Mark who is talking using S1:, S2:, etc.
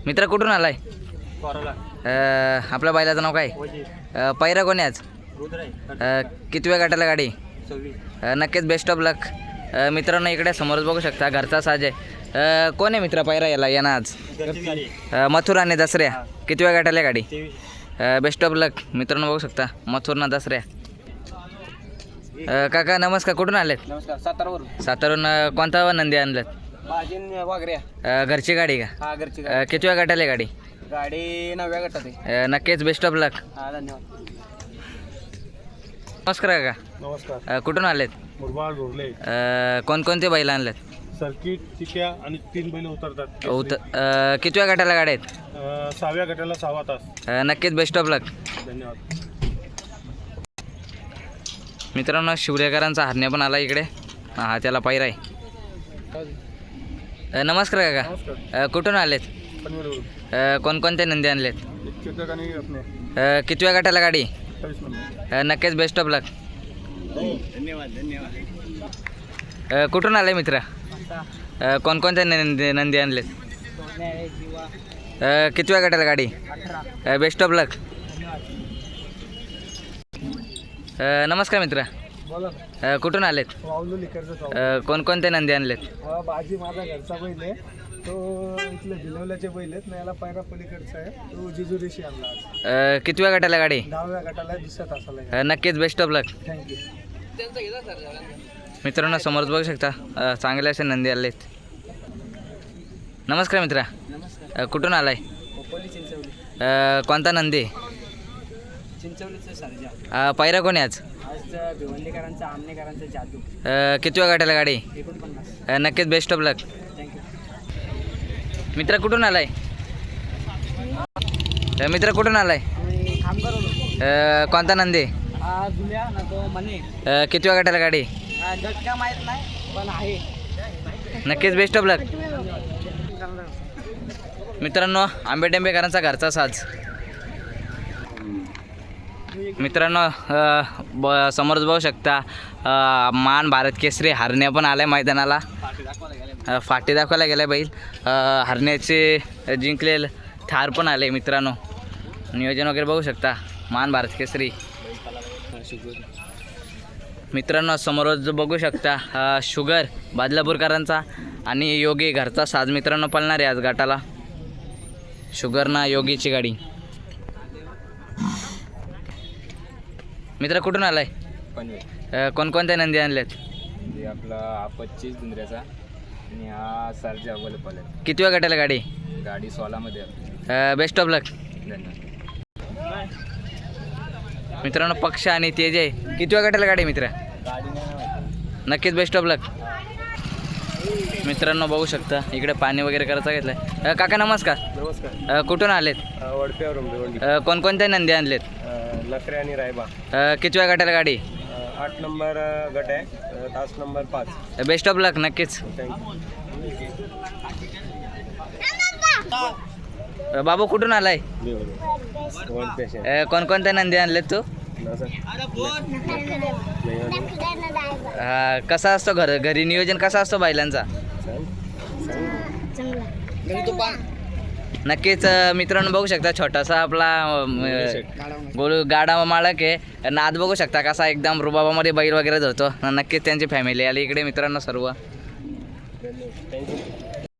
S1: मित्र कुठून आलाय? आपल्या बैलाचं नाव काय? पैरा कोणी आज? कितव्या गटाला गाडी? नक्कीच बेस्ट ऑफ लक. मित्रांनो इकडे समोरच बघू शकता घरचा साज आहे. कोण आहे मित्र पैरा याला आज? मथुर आणि दसऱ्या. कितव्या गटाला गाडी? Best of luck. मित्रांनो बघू शकता मथुर ना दसऱ्या. काका नमस्कार, कुठून आलेत?
S2: नमस्कार. सातारावरून.
S1: सातारून. कोणता नंदी आणलेत?
S2: वागऱ्या.
S1: घरची गाडी का?
S2: हा घरची
S1: कितव्या गटाला गाडी?
S2: गाडी 9व्या गटात आहे.
S1: नक्कीच बेस्ट ऑफ लक.
S2: हा धन्यवाद.
S1: नमस्कार काका.
S3: नमस्कार.
S1: कुठून आलेत?
S3: मुरबाड घोरले.
S1: कोणकोणते बैल आणलेत?
S3: सर्किट चिक्या आणि 3 बैल उतरतात.
S1: कितव्या गटाला गाड्या आहेत?
S3: 6व्या गटाला 6 तास.
S1: नक्कीच बेस्ट ऑफ लक.
S3: धन्यवाद.
S1: मित्रांनो शिवरेकरांचा हरण्या पण आला इकडे. हा त्याला पैरा आहे. नमस्कार काका.
S3: नमस्कार.
S1: कुठून आलेत?
S3: पनवेलवरून.
S1: कोणकोणते नंदी आणलेत?
S3: चित्रक आणि अपने
S1: कितव्या गटाला गाडी?
S3: 28 नंबर.
S1: नक्कीच बेस्ट ऑफ लक.
S2: धन्यवाद.
S1: कुठून आले मित्र? कोणकोणते नंदी आणलेत? कितव्या गटाला गाडी? Best of luck. नमस्कार मित्र.
S3: बोला.
S1: कुठून आलेत?
S3: वावलू लिकरचं.
S1: कोणकोणते नंदी आणलेत?
S3: बाजी माझा घरचा बैल आहे. तो इथले भिलवल्याचे बैल आहेत ना. याला पायरा पलीकडचा आहे. तो जिजुरीशी आणला आज.
S1: कितव्या गटाला गाडी?
S3: 10व्या गटाला 2ऱ्या तासाला आहे.
S1: नक्कीच बेस्ट ऑफ लक.
S3: थँक्यू.
S1: मित्रांनो समोर बघू शकता चांगले असे नंदी आलेत. नमस्कार मित्रा.
S2: नमस्कार.
S1: कुठून आलाय?
S2: खोपोली चिंचवली.
S1: कोणता नंदी?
S2: चिंचवलीचं सर्जा.
S1: पैरा कोणी आज?
S2: आज भिवंडीकरांचा आमनेकरांचा जादू.
S1: कितव्या गटाला गाडी?
S2: 49.
S1: नक्कीच बेस्ट ऑफ लक.
S2: थँक्यू.
S1: मित्र कुठून आलाय? मित्र कुठून आलाय?
S2: काम करू.
S1: कोणता नंदी?
S2: हा जुल्या ना तो मने.
S1: कितव्या गटाला गाडी?
S2: गट का माहीत नाही पण आहे.
S1: नक्कीच बेस्ट ऑफ लक. मित्रांनो आंबेडेंबेकरांचा घरचा साज. मित्रांनो समोरच बघू शकता मान भारत केसरी हरण्या पण आलाय मैदानाला. फाटी दाखवायला गेलाय बैल. हरण्याचे जिंकलेलं थार पण आले. मित्रांनो नियोजन वगैरे बघू शकता मान भारत केसरी. मित्रांनो समोरच बघू शकता शुगर बादलापूरकरांचा आणि योगी घरचा साज मित्रांनो पळणार आहे आज गटाला. शुगर ना योगीची गाडी. मित्र कुठून आलाय?
S2: पनवेल.
S1: कोणकोणत्या नंदी आणल्यात?
S2: आपला हा 25 दुंदऱ्याचा आणि हा सर्जा अवेलेबल आहे.
S1: कितव्या गटाला गाडी?
S2: गाडी 16 मध्ये.
S1: Best of luck.
S2: धन्यवाद.
S1: मित्रांनो पक्ष आणि तेज आहे. कितव्या गटाला गाडी मित्र?
S2: गाडी नाही.
S1: नक्कीच बेस्ट ऑफ लक. मित्रांनो बघू शकता इकडे पाणी वगैरे करायचं घेतलंय. काका नमस्कार.
S3: नमस्कार.
S1: कुठून आलेत?
S3: वडप्यावरून भिवंडी.
S1: कोणकोणत्या नंदी आणलेत?
S3: लकरे आणि रायबा.
S1: कितव्या गटाला गाडी?
S3: 8 नंबर गट आहे. तास नंबर 5.
S1: बेस्ट ऑफ लक. नक्कीच.
S3: थँक्यू.
S1: बाबू कुठून आलाय? कोणकोणत्या नंदी आणलेत तू? कसा असतो घरी नियोजन कसा असतो बैलांचा? नक्कीच मित्रांनो बघू शकता छोटासा आपला गोल गाडा मालक आहे. नाद बघू शकता कसा एकदम रुबाबामध्ये बैल वगैरे धरतो. नक्कीच त्यांची फॅमिली आली इकडे मित्रांनो सर्व.